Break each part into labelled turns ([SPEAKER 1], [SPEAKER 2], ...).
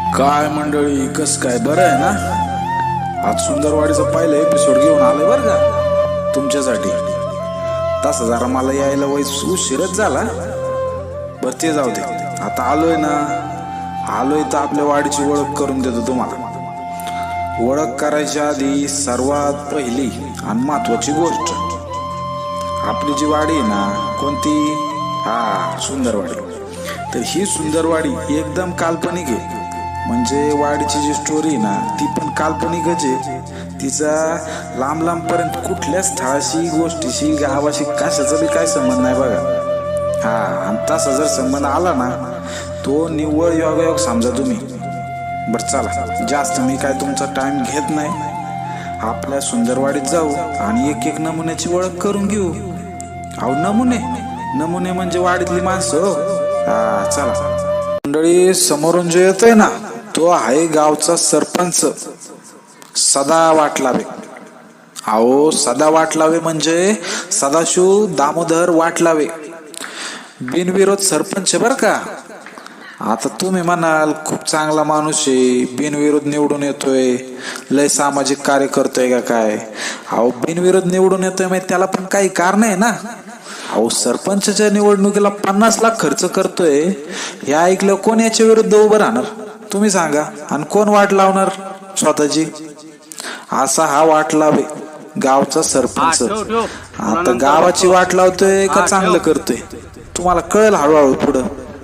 [SPEAKER 1] काय मंडळी, कस काय बरं आहे ना? आज सुंदरवाडीचा पहिला एपिसोड घेऊन आलोय बरं का तुमच्यासाठी. तसा जरा मला यायला उशीरच झाला, बर ते जाऊ दे. आता आलोय ना, आलोय तर आपल्या वाडीची ओळख करून देतो तुम्हाला. ओळख करायच्या आधी सर्वात पहिली आणि महत्वाची गोष्ट, आपली जी वाडी आहे ना, कोणती? सुंदरवाडी. तर ही सुंदरवाडी एकदम काल्पनिक आहे. म्हणजे वाडीची जी स्टोरी ना ती पण काल्पनिकच आहे. तिचा लांब लांब पर्यंत कुठल्याच स्थळाशी, गोष्टीशी, गावाशी कशाचा बी काय संबंध नाही बघा. आणि तसा जर संबंध आला ना, तो निव्वळ योगायोग समजा तुम्ही. बर चला, जास्त मी काय तुमचा टाइम घेत नाही. आपल्या सुंदरवाडीत जाऊ आणि एक एक नमुन्याची ओळख करून घेऊ. अहो नमुने म्हणजे वाडीतली माणसं. चला मंडळी, समोरून जे येतोय ना तो आहे गावचा सरपंच सदा वाटलावे. अहो सदा वाटलावे म्हणजे सदाशिव दामोदर वाटलावे, बिनविरोध सरपंच बर का. आता तुम्ही म्हणाल खूप चांगला माणूस आहे, बिनविरोध निवडून येतोय, लय सामाजिक कार्य करतोय का काय? अहो बिनविरोध निवडून येतोय म्हणजे त्याला पण काही कारण आहे ना. अहो सरपंचच्या निवडणुकीला 50 लाख खर्च करतोय, हे ऐकलं कोण याच्या विरुद्ध उभं राहणार तुम्ही सांगा? आणि कोण वाट लावणार स्वतःची? असा हा वाट लावे गावचा सरपंच. आता गावाची वाट लावतोय का चांगलं करतोय तुम्हाला कळेल हळूहळू पुढं.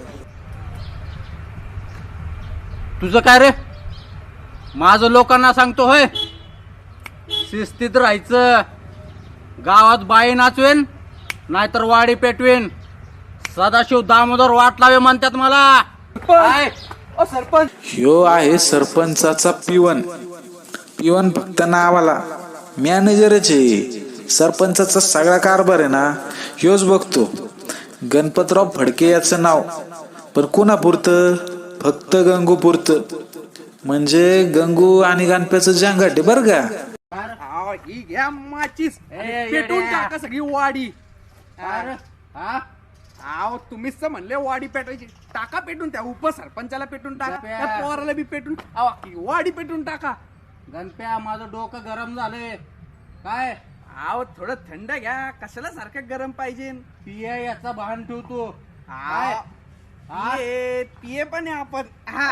[SPEAKER 2] तुझं काय रे? माझं लोकांना सांगतो होय, शिस्तीत राहायचं. गावात बाई नाचवेन नाहीतर वाडी पेटवेन. सदाशिव दामोदर वाटलावे म्हणतात मला. सरपंच
[SPEAKER 1] ह्यो आहे सरपंचाचा पिवन फक्त नावाला, मॅनेजरच आहे. सरपंचाचा सगळा कारभार आहे ना ह्योच बघतो. गणपतराव फडके याचं नाव, पण कोणापुरतं? फक्त गंगूपुरतं. म्हणजे गंगू आणि गणप्याचं जंगाट बर का.
[SPEAKER 3] ही घ्या माचीस, पेटून टाका सगळी वाडी. तुम्हीच तर म्हणले वाडी पेटायची. टाका पेटून, त्या उपसरपंचाला पेटून टाका, त्या पोराला बी पेटून, वाडी पेटून टाका.
[SPEAKER 2] गणप्या, माझं डोकं गरम झालंय. काय
[SPEAKER 3] थोडं थंड घ्या, कशाला सारखं गरम पाहिजे?
[SPEAKER 2] पिये याचा भान ठेवतो.
[SPEAKER 3] पिये पण आहे आपण.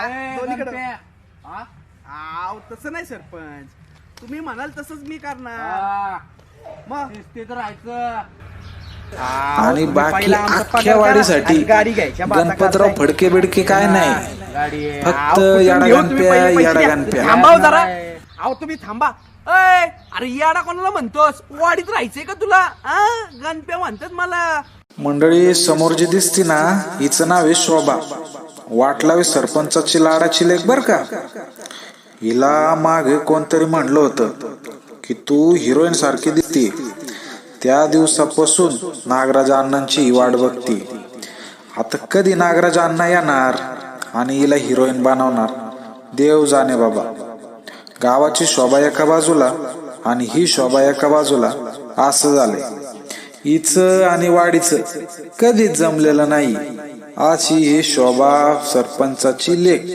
[SPEAKER 3] तसं नाही सरपंच, तुम्ही म्हणाल तसंच मी करणार. मग
[SPEAKER 2] शिस्तीत राहायचं.
[SPEAKER 1] आणि बाकी अख्ख्या वाडीसाठी गणपतराव फडके बिडके काय नाही, फक्त याडा गणप्या.
[SPEAKER 3] थांबाव जरा. तुम्ही थांबा. अरे याडा कोणाला म्हणतोस? वाडीत राहायचंय का तुला? गणप्या म्हणतात मला.
[SPEAKER 1] मंडळी, समोर जी दिसती ना हिचं नाव आहे शोभा वाटलावे, सरपंचाची लाडाची लेक बर का. हिला मागे कोणतरी म्हणलं होतं की तू हिरोईन सारखी दिसती. त्या दिवसापासून नागराज अण्णांची ही वाट बघती. आता कधी नागराज अण्णा येणार आणि हिला हिरोईन बनवणार, देव जाणे बाबा. गावाची शोभा एका बाजूला आणि ही शोभा एका बाजूला, असं झालंय. हिचं आणि वाडीचं कधीच जमलेलं नाही. अशी ही शोभा सरपंचाची लेक.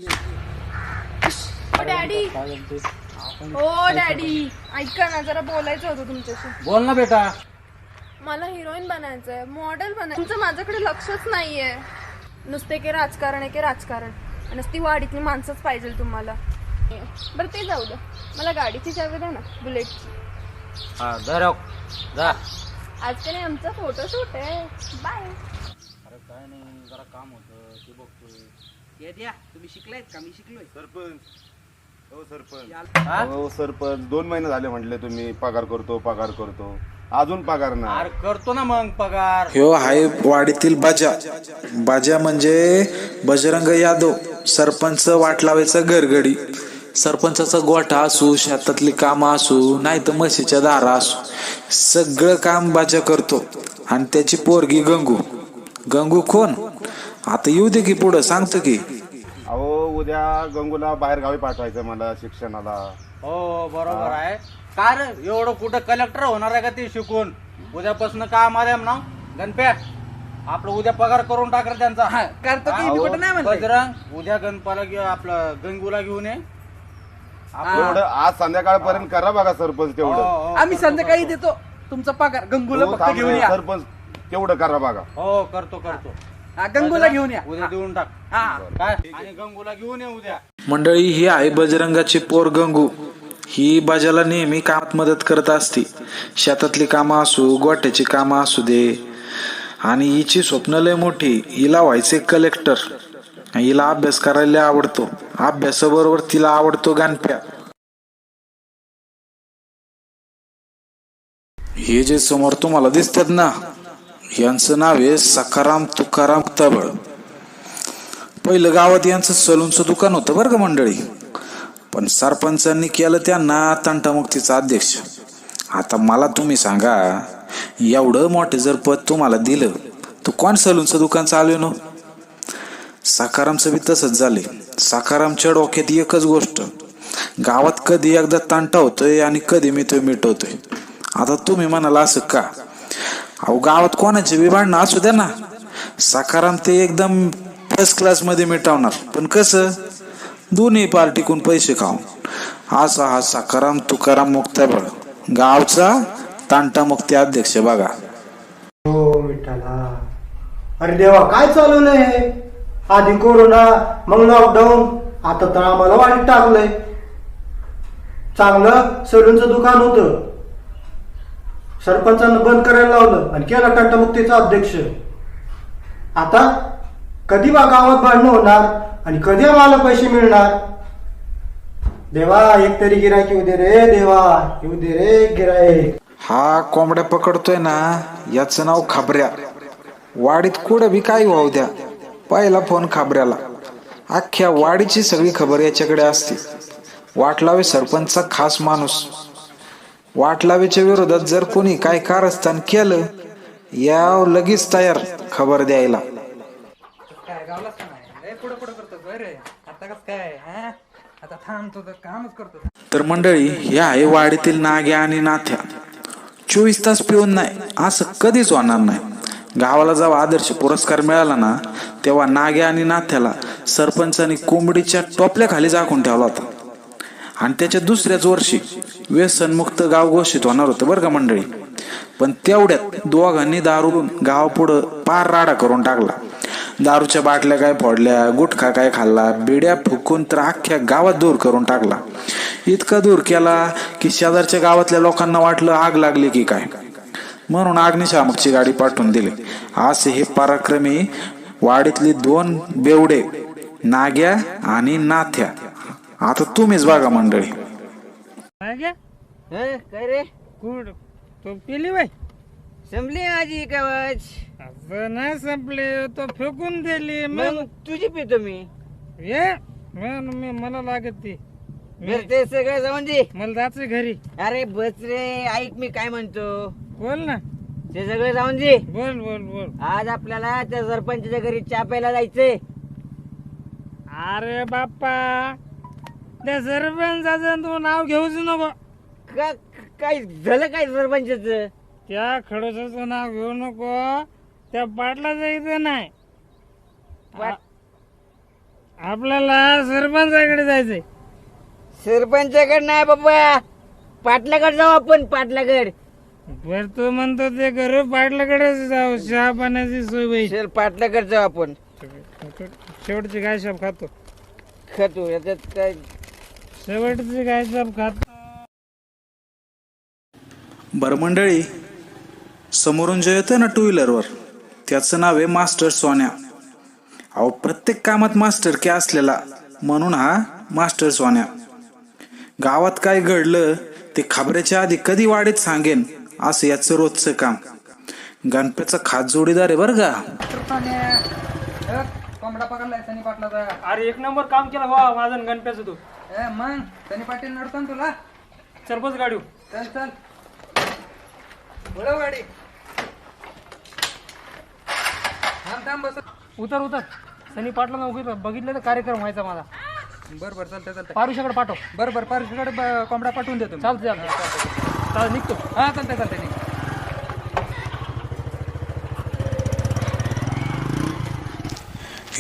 [SPEAKER 4] डॅडी, हो डॅडी, ऐका ना, जरा बोलायचं होतं तुमच्याशी.
[SPEAKER 2] बोल ना बेटा.
[SPEAKER 4] मला हिरोईन बनायचंय, मॉडेल बनायचं. तुमचं माझ्याकडे लक्षच नाहीये. नुसते के राजकारण आहे, के राजकारण. नुसती वाडीतली माणसंच पाहिजे तुम्हाला. बरं ते जाऊ द्या, मला गाडीची चावी द्या ना, बुलेटची.
[SPEAKER 2] जा.
[SPEAKER 4] आज का नाही, आमचा फोटोशूट आहे. बाय.
[SPEAKER 2] अरे काय नाही, जरा काम होतं ते बघतोय.
[SPEAKER 3] हे द्या, तुम्ही शिकलायत का? मी शिकलोय.
[SPEAKER 5] सरपंच, हो सरपंच, 2 महिने झाले म्हटले तुम्ही पगार करतो, अजून पगार नाही.
[SPEAKER 2] अरे करतो ना मग पगार.
[SPEAKER 1] ह्यो आहे वाडीतील बाजा म्हणजे बजरंग यादव, सरपंच वाटलावेचा घरगडी. सरपंचाचा गोठा असू, शेतातली कामं असू, नाही तर म्हशीच्या दारा असू, सगळं काम बाजा करतो. आणि त्याची पोरगी गंगू कोण? आता येऊ दे की पुढं सांगतो की.
[SPEAKER 5] अहो उद्या गंगूला बाहेर गावी पाठवायचं मला शिक्षणाला.
[SPEAKER 2] हो बरोबर आहे. काय रे, एवढं कुठं कलेक्टर होणार आहे का ते शिकून? उद्यापासून काम आले ना गणप्या. आपलं उद्या पगार करून टाक रे त्यांचा.
[SPEAKER 3] हा, करतो की मी कुठं नाही म्हणलं.
[SPEAKER 2] बजरंग उद्या गणपाला आपलं गंगूला घेऊन ये.
[SPEAKER 5] तेवढं आज संध्याकाळपर्यंत करा बघा सरपंच तेवढं.
[SPEAKER 3] आम्ही संध्याकाळी देतो तुमचा पगार. गंगूला
[SPEAKER 5] हो,
[SPEAKER 3] फक्त
[SPEAKER 5] थांब
[SPEAKER 3] घेऊन
[SPEAKER 5] रे,
[SPEAKER 3] या.
[SPEAKER 5] सरपंच तेवढं करा बघा.
[SPEAKER 2] हो करतो करतो.
[SPEAKER 3] हा, गंगूला घेऊन या.
[SPEAKER 2] उद्या देऊन टाक.
[SPEAKER 3] हा.
[SPEAKER 2] काय आणि गंगूला घेऊन ये उद्या.
[SPEAKER 1] मंडळी, ही आहे बजरंगाची पोर गंगू. ही बाजाला नेहमी कामात मदत करत असते. शेतातली कामं असू, गोट्याची कामं असू दे. आणि हिची स्वप्न लय मोठी. हिला व्हायचे कलेक्टर. हिला अभ्यास करायला आवडतो. अभ्यासाबरोबर तिला आवडतो गणप्या. हे जे समोर तुम्हाला दिसतात ना, यांचं नाव आहे सखाराम तुकाराम तबळ. पहिलं गावात यांचं सलूनचं दुकान होतं बरं का मंडळी. पण सरपंचांनी केलं त्यांना तंटामुक्तीचा अध्यक्ष. आता मला तुम्ही सांगा, एवढं मोठं जर पद तुम्हाला दिलं तर कोण सलूनचं दुकान चालवेन? सखारामचं बी तसंच झाले. सखारामच्या डोक्यात एकच गोष्ट, गावात कधी एकदा तंटा होतोय आणि कधी मी तो मिटवतोय. आता तुम्ही म्हणाला असं का? अहो, गावात कोणाचे बी भांडणं असू द्या ना, सखाराम ते एकदम फर्स्ट क्लास मध्ये मिटवणार. पण कसं? दोन्ही पार्टीकून पैसे खाऊन. असा हा सखाराम तुकाराम मुक्ताबळ, गावचा तांटा मुक्ती अध्यक्ष बघा.
[SPEAKER 6] हो विठ्ठला. अरे देवा, काय चालवलंय हे? आधी कोरोना, मग लॉकडाऊन, आता तर आम्हाला वाईट टाकलंय. चांगलं सलूनचं दुकान होतं, सरपंचानं बंद करायला लावलं आणि केला तंटामुक्तीचा अध्यक्ष. आता कधी बा गावात भांडणं होणार आणि कधी आम्हाला पैसे मिळणार? देवा, एक तरी गिरायक येऊ दे रे देवा, येऊ दे रे गिरायक.
[SPEAKER 1] हा कोंबड्या पकडतोय ना, याचं नाव खाबऱ्या. वाडीत कुठं बी काही वाहू द्या, पहिला फोन खाबऱ्याला. अख्ख्या वाडीची सगळी खबर याच्याकडे असते. वाटलावे सरपंचचा खास माणूस. वाटलावेच्या विरोधात जर कोणी काय कारस्थान केलं, या लगेच तयार खबर द्यायला.
[SPEAKER 3] काय गावलाच का नाही? पुढे पुढे करतो बरे. आता कस काय? आता थांबतो तर कामच करतो.
[SPEAKER 1] तर मंडळी, हे आहे वाडीतील नाग्या आणि नाथ्या. 24 तास पिऊन नाही असं कधीच होणार नाही. गावाला जेव्हा आदर्श पुरस्कार मिळाला ना, तेव्हा नाग्या आणि नाथ्याला सरपंचाने कोंबडीच्या टोपल्या खाली झाकून ठेवला होता. आणि त्याच्या दुसऱ्याच वर्षी व्यसनमुक्त गाव घोषित होणार होतं बरं का मंडळी. पण तेवढ्यात दोघांनी दारून गाव पुढं पार राडा करून टाकला. दारूच्या बाटल्या काय फोडल्या, गुटखा काय खाल्ला, बिड्या फुकून तर अख्ख्या गावात दूर करून टाकला. इतका दूर केला की शेजारच्या गावातल्या लोकांना वाटलं आग लागली की काय, म्हणून अग्निशामकची गाडी पाठवून दिली. असे हे पराक्रमी वाडीतली 2 बेवडे, नाग्या आणि नाथ्या. आता तुम्हीच बघा मंडळी.
[SPEAKER 7] काय रे
[SPEAKER 8] कुड तो पिली बाई
[SPEAKER 7] संपली माझी कवच.
[SPEAKER 8] असं नाही संपले, तो फेकून दिली.
[SPEAKER 7] मग तुझी पितो मी.
[SPEAKER 8] ये मला लागत ती.
[SPEAKER 7] बरं ते सगळं जाऊन दे,
[SPEAKER 8] मला जायचं घरी.
[SPEAKER 7] अरे बस रे, ऐक मी काय म्हणतो.
[SPEAKER 8] बोल ना.
[SPEAKER 7] ते सगळं जाऊन दे.
[SPEAKER 8] बोल बोल बोल.
[SPEAKER 7] आज आपल्याला त्या सरपंचाच्या घरी चहा प्यायला जायचंय.
[SPEAKER 8] अरे बाप्पा, त्या सरपंचाचं तू नाव घेऊच नको.
[SPEAKER 7] काय झालं काय सरपंचाचं?
[SPEAKER 8] त्या खडोसाचं नाव घेऊ नको. त्या पाटला जायचं नाही. आपल्याला सरपंचाकडे जायचंय.
[SPEAKER 7] सरपंचाकडे नाही बाबा, पाटलाकडे जाऊ आपण. पाटलाकडे.
[SPEAKER 8] बर तू म्हणतो ते करू, पाटलाकडे जाऊ. चहा पाण्याची सोय होईल.
[SPEAKER 7] चल पाटलाकडे जाऊ आपण.
[SPEAKER 8] शेवटची गाय शाप खातो.
[SPEAKER 7] खातो याच्यात काय.
[SPEAKER 8] शेवटची गाय शाप खातो.
[SPEAKER 1] बरं मंडळी, समोरून जे येतं ना 2 व्हीलरवर, त्याचं नाव आहे मास्टर सोन्या. अहो, प्रत्येक कामात मास्टर की असलेला, म्हणून हा मास्टर सोन्या. गावात काय घडलं ते खबऱ्याच्या आधी कधी वाडीत सांगेन, असं याचं रोजचं काम. गणपतीचा खास जोडीदार आहे बरं का.
[SPEAKER 3] कोंबडा पकडलाय सनी पाटलाचा.
[SPEAKER 8] अरे 1 नंबर काम केलं वा माझा गणप्याचं तू.
[SPEAKER 3] मग सनी पाटील नडतो ना तुला.
[SPEAKER 8] सरपंच गाडी.
[SPEAKER 3] चल चल, बोलव गाडी. थांब थांब, बस.
[SPEAKER 8] उतर उतर. सनी पाटला नोकरी बघितलं तर कार्यक्रम व्हायचा माझा.
[SPEAKER 3] बरं बरं, चालतंय चालतंय.
[SPEAKER 8] पारुशाकडे पाठव.
[SPEAKER 3] बरं बरं, पारशीकडे कोंबडा पाठवून देतो मी.
[SPEAKER 8] चालतं चालतं. चाल निघतो.
[SPEAKER 3] हा चालतंय चालतंय.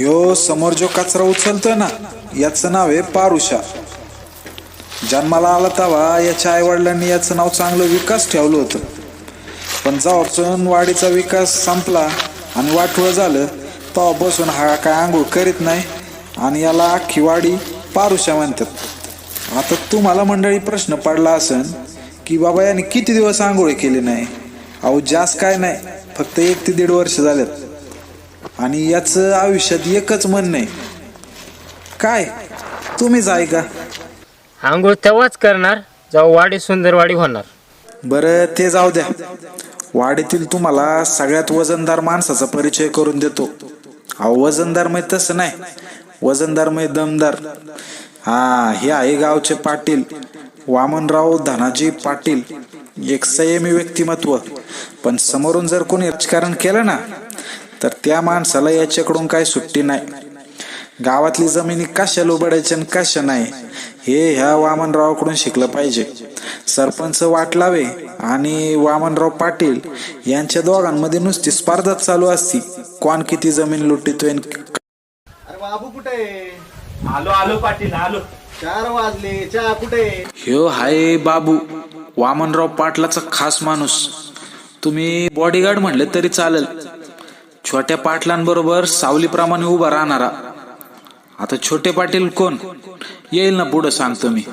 [SPEAKER 1] ह्यो समोर जो कचरा उचलतोय ना, याचं नाव आहे पारुषा. जन्माला आला तेव्हा याच्या आई वडिलांनी याचं नाव चांगलं विकास ठेवलं होतं. पण जेव्हापासून वाडीचा विकास संपला आणि वाटोळं झालं, तेव्हापासून हा काय आंघोळ करीत नाही आणि याला अख्खी वाडी पारुषा म्हणतात. आता तुम्हाला मंडळी प्रश्न पडला असेल की बाबा याने किती दिवस आंघोळ केली नाही. अहो जास्त काय नाही, फक्त 1 ते 1.5 वर्ष झालेत आणि याचं आयुष्यात एकच म्हणणं आहे. काय तुम्हीच ऐका.
[SPEAKER 9] आंघोळ तेव्हाच करणार जेव्हा वाडी सुंदर वाडी होणार.
[SPEAKER 1] बरं ते जाऊ द्या. वाडीतील तुम्हाला सगळ्यात वजनदार माणसाचा परिचय करून देतो. अहो वजनदार मग तसं नाही, वजनदार मग दमदार. हे आहे गावचे पाटील वामनराव धनाजी पाटील. एक संयमी व्यक्तिमत्व. पण समोरून जर कोणी राजकारण केलं ना, तर त्या माणसाला याच्याकडून काय सुट्टी नाही. गावातली जमिनी कशा लोबडायच्या आणि कशा नाही हे ह्या वामनरावकडून शिकलं पाहिजे. सरपंच वाटलावे आणि वामनराव पाटील यांच्या दोघांमध्ये नुसती स्पर्धा चालू असती, कोण किती जमीन लुटीतोय.
[SPEAKER 6] अरे बाबू कुठे?
[SPEAKER 3] आलो पाटील आलो.
[SPEAKER 6] 4 वाजले, चहा कुठे?
[SPEAKER 1] ह्यो हाय बाबू, वामनराव पाटलाचा खास माणूस. तुम्ही बॉडीगार्ड म्हणले तरी चालेल. छोट्या पाटलांबरोबर सावलीप्रमाणे उभा राहणारा. आता छोटे पाटील कोण येईल ना पुढं सांगतो मी.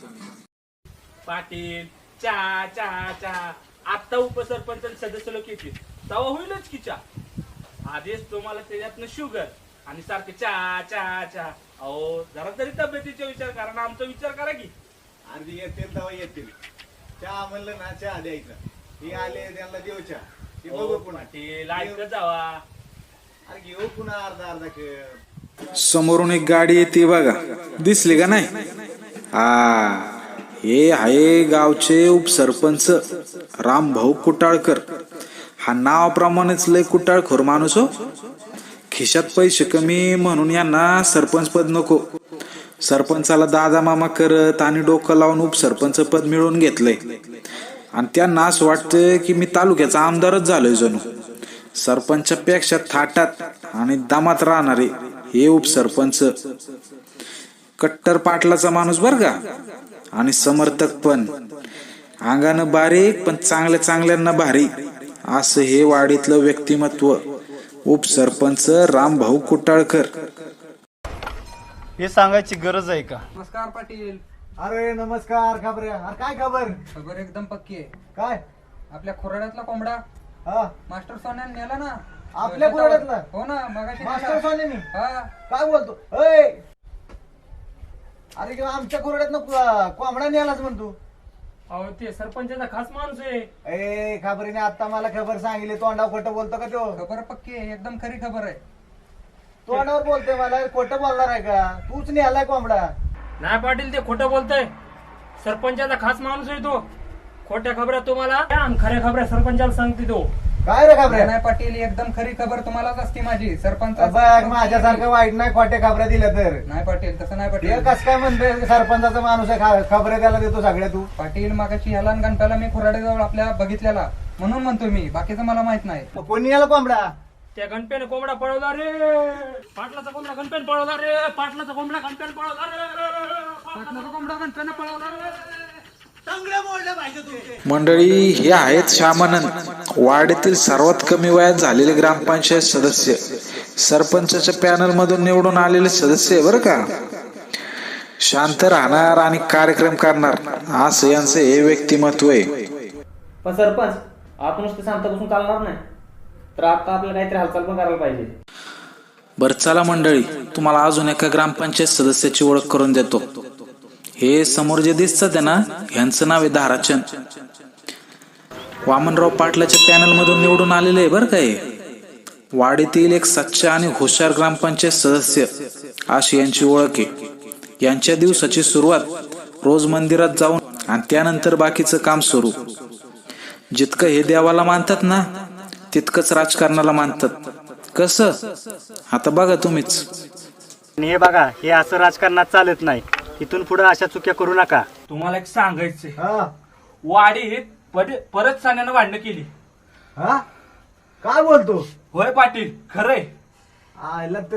[SPEAKER 3] पाटील चहा चहा चहा. आता उपसरपंच सदस्य लोक येतील तेव्हा होईलच की चहा. आधीच तुम्हाला त्याच्यातनं शुगर आणि सारखे चहा चहा चहा. अहो जरा तरी तब्येतीचा विचार करा ना, आमचा विचार करा की.
[SPEAKER 6] अर्धी येतील तेव्हा येतील. चहा म्हणलं ना, चहा द्यायचा. हे आले त्यांना देऊ चहा. हे बघू पुन्हा.
[SPEAKER 3] पाटील ऐकत जावा.
[SPEAKER 6] अरे घेऊ पुन्हा अर्धा कप.
[SPEAKER 1] समोरून एक गाडी येते बघा, दिसली का नाही? हे आहे गावचे उपसरपंच रामभाऊ कुटाळकर. हा नावाप्रमाणेच लय कुटाळखोर माणूस हो. खिशात पैसे कमी म्हणून यांना सरपंच पद नको. सरपंचाला दादा मामा करत आणि डोकं लावून उपसरपंच पद मिळवून घेतलंय. आणि त्यांना असं वाटतं की मी तालुक्याचा आमदारच झालोय जणू. सरपंचापेक्षा थाटात आणि दामात राहणारे हे उपसरपंच. कट्टर पाटलाचा माणूस बर का, आणि समर्थक पण. अंगानं बारीक पण चांगल्या चांगल्यांना भारी असं हे वाडीतलं व्यक्तिमत्व उपसरपंच रामभाऊ कुटाळकर.
[SPEAKER 6] हे सांगायची गरज आहे का?
[SPEAKER 10] नमस्कार पाटील.
[SPEAKER 6] अरे नमस्कार. खबर? अरे काय खबर?
[SPEAKER 10] खबर एकदम पक्की आहे.
[SPEAKER 6] काय?
[SPEAKER 10] आपल्या खोराड्यातला कोंबडा
[SPEAKER 6] हा
[SPEAKER 10] मास्टर सोन्याने नेला ना.
[SPEAKER 6] आपल्या खोराड्यातला?
[SPEAKER 10] हो ना, मगाशी
[SPEAKER 6] मास्टर
[SPEAKER 10] नेला.
[SPEAKER 6] सोन्यानी?
[SPEAKER 10] हा.
[SPEAKER 6] काय बोलतो? अय अरे किंवा आमच्या खोराड्यातनं कोंबडा नेलाच म्हणतो.
[SPEAKER 8] अहो ते सरपंचाचा खास माणूस आहे.
[SPEAKER 6] ए खबरीने आता मला खबर सांगितली. तोंडावर खोटं बोलतो का तो?
[SPEAKER 10] खबर पक्की आहे, एकदम खरी खबर आहे.
[SPEAKER 6] तोंडावर बोलतोय मला. खोटं बोलणार आहे का? तूच नेलाय कोंबडा.
[SPEAKER 8] नाही पाटील, ते खोटं बोलतय. सरपंचाचा खास माणूस आहे तो. खोट्या खबऱ्या तुम्हाला आणि खऱ्या खबऱ्या सरपंचाला सांगते तो.
[SPEAKER 6] काय रे खबऱ्या?
[SPEAKER 10] नाही पाटील, एकदम खरी खबर तुम्हालाच असते माझी. सरपंच
[SPEAKER 6] बघ माझ्यासारखं वाईट नाही खोट्या खबऱ्या दिल्या तर.
[SPEAKER 10] नाही पाटील, तसं नाही
[SPEAKER 6] हे
[SPEAKER 10] पाटील.
[SPEAKER 6] कस काय म्हणतोय सरपंचाचा माणूस आहे, खबऱ्या त्याला देतो सगळ्या तू?
[SPEAKER 10] पाटील मागाशी ह्याला आणि गणप्याला मी खोराड्याजवळ आपल्या बघितलेला, म्हणून म्हणतोय मी. बाकीचं मला माहित नाही.
[SPEAKER 6] कोणी याला कोंबडा?
[SPEAKER 8] त्या गणप्याने कोंबडा पळवला रे. पाटलाचा कोंबडा गणप्याने पळवला रे. पाटलाचा कोंबडा गणप्याने पळवला रे.
[SPEAKER 10] पाटलाचा कोंबडा गणप्याने पळवला रे.
[SPEAKER 1] मंडळी हे आहेत श्यामानंद, वाडीतील सर्वात कमी वयात झालेले ग्रामपंचायत सदस्य. सरपंचाच्या पॅनल मधून निवडून आलेले सदस्य आहे बरं का. शांत राहणार आणि कार्यक्रम करणार असं यांचं हे व्यक्तिमत्व आहे.
[SPEAKER 2] पण सरपंच आपण नुसतं शांत बसून चालणार नाही, तर आता आपल्याला काहीतरी हालचाल पण करायला पाहिजे.
[SPEAKER 1] बरं चला मंडळी, तुम्हाला अजून एका ग्रामपंचायत सदस्याची ओळख करून देतो. हे समोर जे दिसतं ना, ह्यांचं नाव आहे धाराचंद. वामनराव पाटलाच्या पॅनल मधून निवडून आलेले आहे बरं का. वाडीतील एक सच्चा आणि हुशार ग्रामपंचायत सदस्य अशी यांची ओळख आहे. यांच्या दिवसाची सुरुवात रोज मंदिरात जाऊन आणि त्यानंतर बाकीचं काम सुरू. जितकं हे देवाला मानतात ना, तितकंच राजकारणाला मानतात. कसं आता बघा तुम्हीच.
[SPEAKER 11] हे बघा, हे असं राजकारणात चालत नाही. इथून पुढे अशा चुक्या करू नका.
[SPEAKER 3] तुम्हाला एक सांगायचंय,
[SPEAKER 6] हा
[SPEAKER 3] वाडीत परत सान्यानं भांडणं केली.
[SPEAKER 6] हा काय बोलतो?
[SPEAKER 3] होय पाटील, खरंय.
[SPEAKER 6] आयला ते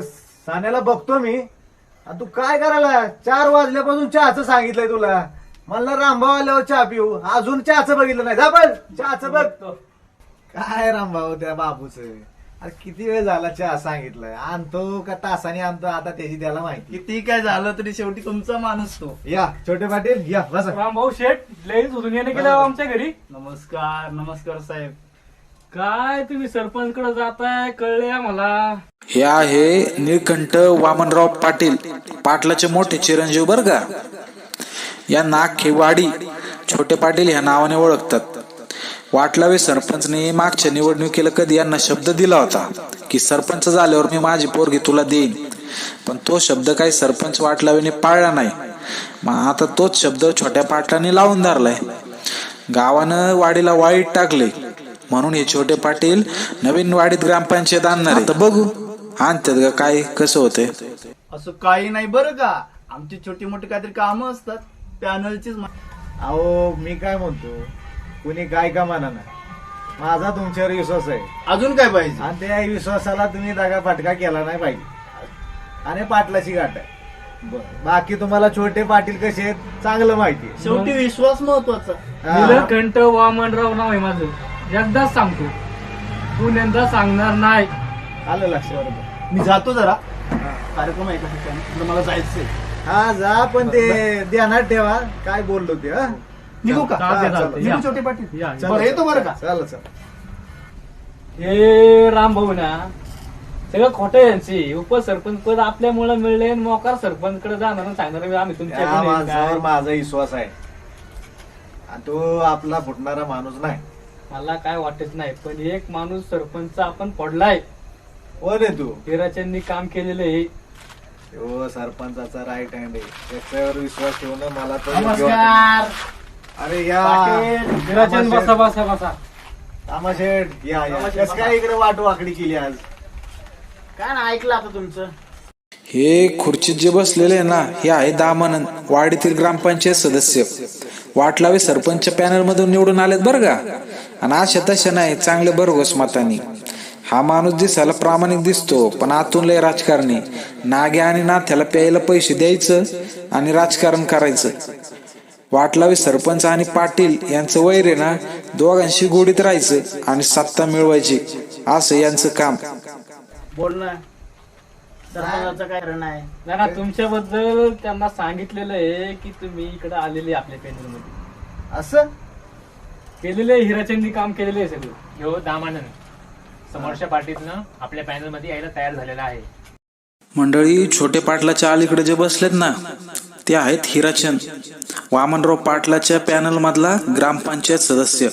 [SPEAKER 12] सान्याला बघतो मी. आणि तू काय करायला 4 वाजल्यापासून चहाचं सांगितलंय तुला. मला रामभाऊ आल्यावर चहा पिऊ, अजून चहाचं बघितलं नाही. जा पण चहाचं बघ. काय रामभाऊ त्या बाबूच, अरे किती वेळ झाला चहा सांगितलंय, आणतो का तासाने आणतो आता त्याची त्याला माहिती.
[SPEAKER 3] किती काय झालं तरी शेवटी तुमचा माणूस तो.
[SPEAKER 12] या छोटे पाटील या बस.
[SPEAKER 8] रामभाऊ शेठ लई उजून येणे केलं आमच्या घरी.
[SPEAKER 3] नमस्कार नमस्कार साहेब. काय तुम्ही सरपंच कडे जाताय कळले आम्हाला.
[SPEAKER 1] हे आहे निळकंठ वामनराव पाटील, पाटलाचे मोठे चिरंजीव बर का. या नागखेवाडी छोटे पाटील ह्या नावाने ओळखतात. वाटलावे सरपंचने मागच्या निवडणुकीला कधी यांना शब्द दिला होता की सरपंच झाल्यावर मी माझी पोरगी तुला देईन, पण तो शब्द काही सरपंच वाटलावेने पाळला नाही. मग आता तोच शब्द छोट्या पाटलाने लावून धरलाय. गावानं वाडीला वाईट टाकले म्हणून हे छोटे पाटील नवीन वाडीत ग्रामपंचायत आणणार आहे. तर बघू आणतात का काय कसं होतंय.
[SPEAKER 3] असं काही नाही बरं का, आमची छोटी मोठी काहीतरी कामं असतात पॅनलचीच.
[SPEAKER 12] अहो मी काय म्हणतो, कुणी काय का म्हणा ना, माझा तुमच्यावर विश्वास आहे.
[SPEAKER 3] अजून काय पाहिजे.
[SPEAKER 12] आणि त्या विश्वासाला तुम्ही दगा फटका केला नाही पाहिजे. आणि पाटलाची गाठ आहे. बाकी तुम्हाला छोटे पाटील कसे आहेत चांगलं माहिती आहे.
[SPEAKER 3] शेवटी विश्वास महत्वाचा.
[SPEAKER 8] निळकंठ वामनराव नाव आहे माझं. एकदाच सांगतो, पुण्यांदा सांगणार नाही.
[SPEAKER 12] आलं लक्षात.
[SPEAKER 3] मी जातो जरा, कार्यक्रम आहे का मला जायचंय.
[SPEAKER 12] हा जा, पण ते ध्यानात ठेवा काय बोललो ते. हा
[SPEAKER 3] निघू का.
[SPEAKER 8] चालतंय.
[SPEAKER 3] निघू छोटे पाटील.
[SPEAKER 8] या.
[SPEAKER 3] बरं येतो बरं का.
[SPEAKER 12] चालेल चालेल.
[SPEAKER 8] हे रामभाऊ ना सगळं खोटं आहे यांची. उपसरपंच पद आपल्यामुळे मिळले, मोकार सरपंच कडे जाणार आणि सांगणार आम्ही
[SPEAKER 12] त्या
[SPEAKER 8] तुमच्या
[SPEAKER 12] माणसावर माझा विश्वास आहे आणि तो आपला फुटणारा माणूस नाही.
[SPEAKER 8] मला काय वाटत नाही, पण एक माणूस सरपंच आपण पडलाय.
[SPEAKER 12] कोण आहे तू.
[SPEAKER 8] हिराचंदनी काम केलेलं आहे.
[SPEAKER 12] तो सरपंचाचा राईट हँड आहे, त्याच्यावर विश्वास ठेवणं मला तर
[SPEAKER 3] नमस्कार.
[SPEAKER 12] अरे या
[SPEAKER 8] हिराचंद बसा बसा बसा.
[SPEAKER 12] तामाशेठ या या. कसं काय इकडे वाटवाकडी केली आज.
[SPEAKER 3] काय ना ऐकलं आता तुमचं.
[SPEAKER 1] हे खुर्चीत जे बसलेले आहे ना, हे आहे दामानंद, वाडीतील ग्रामपंचायत सदस्य. वाटलावे सरपंच पॅनल मधून निवडून आलेत बरं का. आणि अशा तशा नाही, चांगले भरघोस मतानी. हा माणूस दिसायला प्रामाणिक दिसतो, पण आतून लय राजकारणी. नाग्या आणि नाथ्याला प्यायला पैसे द्यायचं आणि राजकारण करायचं. वाटलावे सरपंच आणि पाटील यांचं वैर आहे ना, दोघांशी गोडीत राहायचं आणि सत्ता मिळवायची, असं यांचं काम.
[SPEAKER 3] बोल ना. सरपंचाचं काय रण आहे.
[SPEAKER 8] ना तुमच्याबद्दल त्यांना सांगितलेलं आहे की तुम्ही इकडे आलेले आपल्या पॅनल मध्ये.
[SPEAKER 12] असं
[SPEAKER 8] केलेलं आहे, हिराचंदनी काम केलेलं आहे सगळं.
[SPEAKER 9] ह्यो दामानंद समोरच्या पार्टीतनं आपल्या पॅनल मध्ये यायला तयार झालेला आहे.
[SPEAKER 1] मंडळी, छोटे पाटलाच्या अलीकडे जे बसलेत ना, ते आहेत हिराचंद, वामनराव पाटलाच्या पॅनल मधला ग्रामपंचायत सदस्य.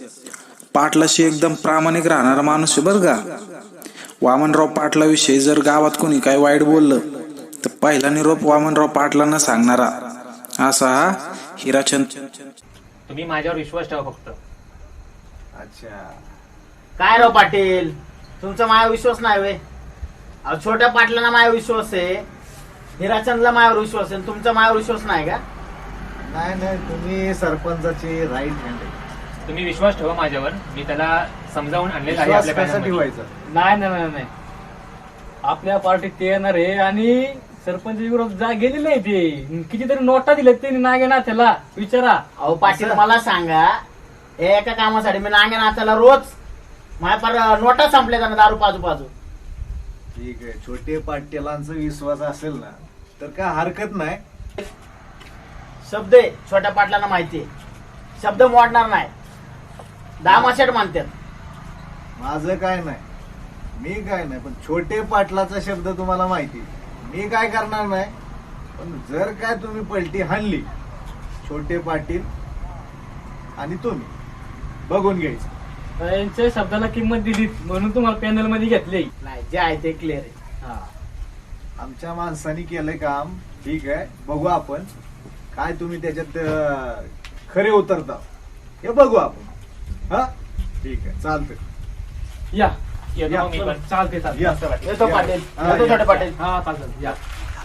[SPEAKER 1] पाटलाशी एकदम प्रामाणिक राहणारा माणूस आहे बरं का. वामनराव पाटलाविषयी जर गावात कोणी काय वाईट बोललं तर पहिला निरोप वामनराव पाटलांना सांगणारा असा हा हिराचंद.
[SPEAKER 9] तुम्ही माझ्यावर विश्वास ठेवा फक्त.
[SPEAKER 12] अच्छा.
[SPEAKER 3] काय राव पाटील, तुमचा माझ्यावर विश्वास नाही वे. छोट्या पाटलांना माझ्यावर विश्वास आहे, हिराचंदला माझ्यावर विश्वास आहे, तुमचा माझ्यावर विश्वास नाही का.
[SPEAKER 12] नाही नाही, तुम्ही सरपंचाची राईट हँड आहे.
[SPEAKER 9] तुम्ही विश्वास ठेवा माझ्यावर. मी त्याला समजावून आणलेलं आहे
[SPEAKER 12] विश्वास
[SPEAKER 9] आपल्या
[SPEAKER 12] कसा
[SPEAKER 9] पॅनल मध्ये.
[SPEAKER 12] ठेवायचा.
[SPEAKER 8] नाही नाही नाही नाही, आपल्या पार्टीत ते येणार आहे आणि सरपंच विरोध जा गेलेले आहे. ते कितीतरी नोटा दिल्यात त्यांनी नागेना त्याला विचारा.
[SPEAKER 3] अहो पाटील मला सांगा, एका कामासाठी मी नांगे नाचायला रोज माझ्या पार नोटा संपल्या जाणार दारू पाजू पाजू.
[SPEAKER 12] ठीक आहे, छोटे पाटीलांचा विश्वास असेल ना तर काय हरकत नाही.
[SPEAKER 3] शब्द आहे छोट्या पाटलांना माहिती आहे, शब्द मोडणार नाही. दामाशेट मानतात.
[SPEAKER 12] माझं काय नाही, मी काय नाही, पण छोटे पाटलाचा शब्द तुम्हाला माहिती. मी काय करणार नाही, पण जर काय तुम्ही पलटी हाणली, छोटे पाटील आणि तुम्ही बघून घ्यायचं.
[SPEAKER 8] यांच्या शब्दाला किंमत दिली म्हणून तुम्हाला पॅनल मध्ये घेतले.
[SPEAKER 3] नाही, जे आहे ते क्लिअर आहे.
[SPEAKER 12] आमच्या माणसानी केलंय काम, ठीक आहे, बघू आपण काय तुम्ही त्याच्यात खरे उतरता हे बघू आपण. हा ठीक आहे, चालतंय.
[SPEAKER 8] या
[SPEAKER 9] येतो मी पण.
[SPEAKER 8] चालते चालते.
[SPEAKER 12] या.
[SPEAKER 3] येतो पाटील,
[SPEAKER 12] हा,
[SPEAKER 3] येतो
[SPEAKER 12] या.
[SPEAKER 3] छोटे पाटील.
[SPEAKER 8] हा चालतं या.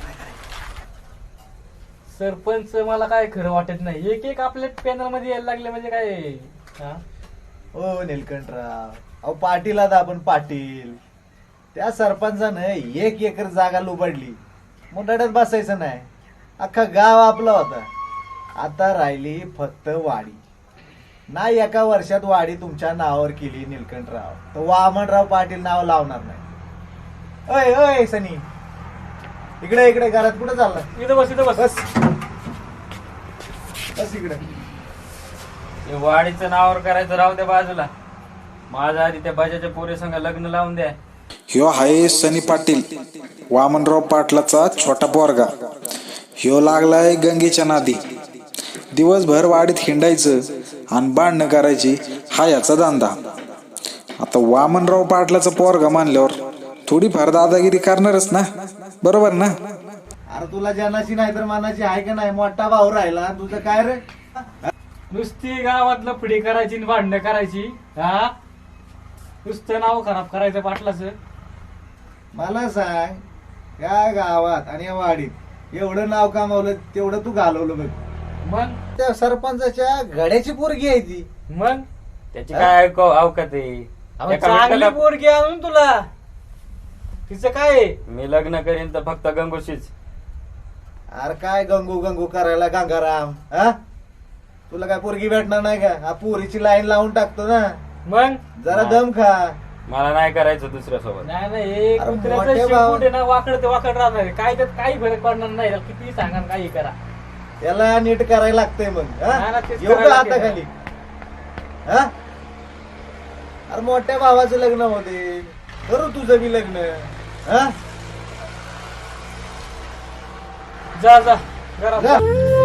[SPEAKER 8] सरपंच मला काय खरं वाटत नाही, एक एक आपल्या पॅनल मध्ये यायला लागले म्हणजे काय. हा
[SPEAKER 12] हो निलकंठराव, अहो पाटील आता आपण पाटील त्या सरपंचानं 1 एकर जागा लुबाडली. मुंडाड्यात बसायचं नाही. अख्खा गाव आपला होता. आता राहिली फक्त वाडी. नाही एका वर्षात वाडी तुमच्या नावावर केली निलकंठराव तर वामनराव पाटील नाव लावणार नाही. अय अय सनी, इकडे इकडे घरात कुठं चालला?
[SPEAKER 8] इथं बस इथं बस.
[SPEAKER 12] बस इकडे.
[SPEAKER 13] ते वाडीचं नावावर करायचं राहू द्या बाजूला. माझ्या आधी त्या बाजाच्या पोरी संग लग्न लावून द्या.
[SPEAKER 1] ह्यो हाय सनी पाटील, वामनराव पाटलाचा छोटा पोरगा. ह्यो लागलाय गंगेच्या नादी. दिवसभर वाडीत हिंडायचं आणि भांडणं करायची हा याचा धंदा. आता वामनराव पाटलाचा पोरगा मानल्यावर थोडीफार दादागिरी करणारच ना, बरोबर ना?
[SPEAKER 12] अरे तुला जनाची नाही तर मानाची आहे का नाही? मोठा भाऊ राहिला तुझं काय रे?
[SPEAKER 8] नुसती गावातलं पुढे करायची आणि भांडणं करायची. हा, नुसतं नाव खराब करायचं पाटलाचं.
[SPEAKER 12] मला सांग, या गावात आणि या वाडीत एवढं नाव कमावलं तेवढं तू घालवलं बघ.
[SPEAKER 8] मग
[SPEAKER 12] त्या सरपंचाच्या घड्याची पोरगी आहे ती.
[SPEAKER 8] मग
[SPEAKER 13] त्याची काय अवकात आहे?
[SPEAKER 8] अहो,
[SPEAKER 13] एका
[SPEAKER 8] चांगली
[SPEAKER 13] मिनिटाला-
[SPEAKER 8] पोरगी आणून तुला तिचं काय आहे?
[SPEAKER 13] मी लग्न करीन तर फक्त गंगोशीच.
[SPEAKER 12] अरे काय गंगू गंगू करायला गंगाराम? हा, तुला काय पोरगी भेटणार नाही का? हा पोरीची लाईन लावून टाकतो ना.
[SPEAKER 8] मग
[SPEAKER 12] जरा दम खा.
[SPEAKER 13] मला नाही करायचं दुसऱ्या सोबत.
[SPEAKER 8] नाही नाही,
[SPEAKER 12] अरे
[SPEAKER 8] कुत्र्याचं
[SPEAKER 12] मोठे
[SPEAKER 8] शेपूट
[SPEAKER 12] भाऊ.
[SPEAKER 8] आहे ना, वाकड ते वाकड राहणार आहे. काय त्यात काही फरक पडणार नाही. त्याला किती सांगा आणि काही करा.
[SPEAKER 12] याला नीट करायला लागतंय मग.
[SPEAKER 8] नाही ना, तेच
[SPEAKER 12] येऊ का
[SPEAKER 8] करायला
[SPEAKER 12] आता
[SPEAKER 8] लागेल.
[SPEAKER 12] खाली? हा, अरे मोठ्या भावाचं लग्न होते, करू तुझं बी लग्न. हा,
[SPEAKER 8] जा जा घरात जा.
[SPEAKER 12] जा.